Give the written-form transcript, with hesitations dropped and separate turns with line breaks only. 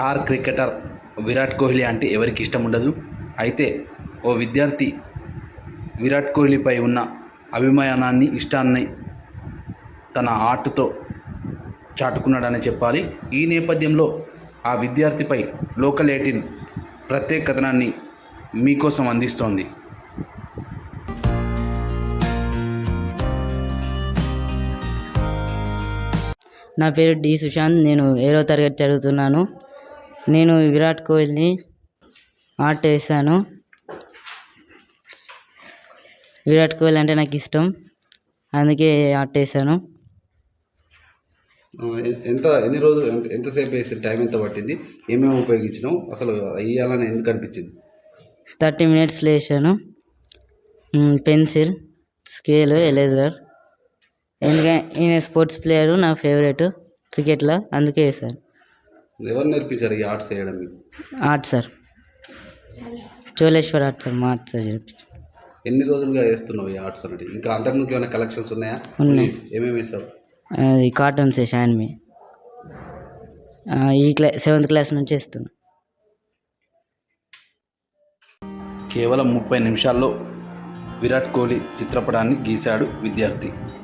Star cricketer Virat Kohli అంటే ఎవరికి ఇష్టం ఉండదు. అయితే ఓ విద్యార్థి విరాట్ కోహ్లీపై ఉన్న అభిమానాన్ని, ఇష్టాన్ని తన ఆర్ట్తో చాటుకున్నాడని చెప్పాలి. ఈ నేపథ్యంలో ఆ విద్యార్థిపై లోకల్ 18 ప్రత్యేక కథనాన్ని మీకోసం అందిస్తోంది.
నా పేరు డి సుశాంత్. నేను 7వ తరగతి చదువుతున్నాను. నేను విరాట్ కోహ్లీ ఆర్ట్ వేసాను. విరాట్ కోహ్లీ అంటే నాకు ఇష్టం, అందుకే ఆర్ట్ వేసాను.
ఎన్ని రోజులు, ఎంతసేపు వేసి టైం ఎంత పట్టింది, ఏమేమి ఉపయోగించినావు, అసలు వేయాలని ఎందుకు అనిపించింది?
30 minutes వేసాను. Pencil, scale, eraser. ఎందుకంటే ఈయన స్పోర్ట్స్ ప్లేయరు, నా ఫేవరెట్ క్రికెట్లో, అందుకే వేసాను.
ఎవరు నేర్పించారు ఈ ఆర్ట్స్ వేయడం?
Art sir, Choleshwar art sir, మా ఆర్ట్ సార్ నేర్పించారు.
ఎన్ని రోజులుగా వేస్తున్నావు ఈ ఆర్ట్స్ అంటే? ఇంకా అంతకుముందు ఏమైనా కలెక్షన్స్ ఉన్నాయా?
ఉన్నాయి.
ఏమేమి వేసావు?
ఈ కార్టూన్స్ వేసాను. మీ ఈ 7th క్లాస్ నుంచి వేస్తున్నా.
కేవలం 30 నిమిషాల్లో విరాట్ కోహ్లీ చిత్రపటాన్ని గీశాడు విద్యార్థి.